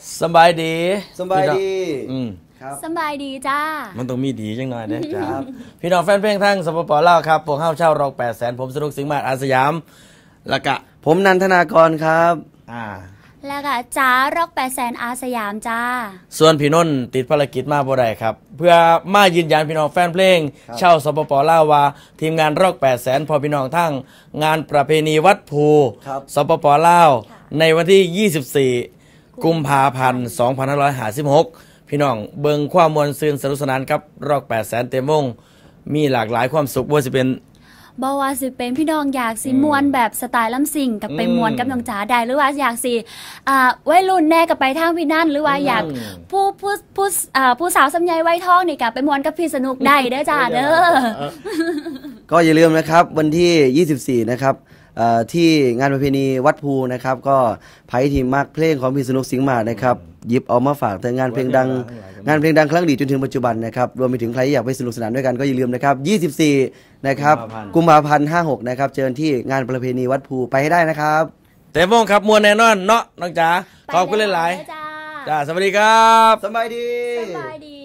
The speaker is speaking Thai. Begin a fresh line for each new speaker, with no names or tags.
สบายดี
สบายดี
ครับสบายดีจ้า
มันต้องมีดีจังหน่อยเด้จ้าพี่น้องแฟนเพลงทั้งสปป.ลาวครับพวกเฮาเช่ารอก800,000ผมสนุกสิงห์มาศอาสยามแล้วก็
ผมนันทนากรครับ
แล้วก็จ้ารอก800,000อาสยามจ้า
ส่วนพี่นนท์ติดภารกิจมาบ่ได้ครับเพื่อมายืนยันพี่น้องแฟนเพลงเช่าสปป.ลาวว่าทีมงานรอก800,000พอพี่น้องทั้งงานประเพณีวัดภูสปป.ลาวในวันที่24กุมภาพันธ์2556พี่น้องเบิงความมวลซืนสนุกสนานครับรอก800,000เต็มวงมีหลากหลายความสุขบ่ว่าสิเป็น
พี่น้องอยากสิมวนแบบสไตล์ลำซิ่งกับไปมวนกับน้องจ๋าได้หรือว่าอยากสิวัยรุ่นแน่กับไปทางพี่นั่นหรือว่าอยากผู้สาวสำใยไว้ท้องนี่กับไปมวนกับพี่สนุกได้เด้อจ้าเด้อ
ก็อย่าลืมนะครับวันที่24นะครับที่งานประเพณีวัดภูนะครับก็ไพ่ทีมมากเพลงของพี่สนุกสิงห์มานะครับหยิบเอามาฝากแต่งานเพลงดังครั้งดีจนถึงปัจจุบันนะครับรวมไปถึงใครอยากไปสนุกสนานด้วยกันก็อย่าลืมนะครับ24นะครับกุมภาพันธ์56นะครับเจอที่งานประเพณีวัดภูไปให้ได้นะครับ
เต็มวงครับมวลแน่นอนเนาะน้องจ๋าขอบคุณหลายๆจ้าสวัสดีครับ
สบายดี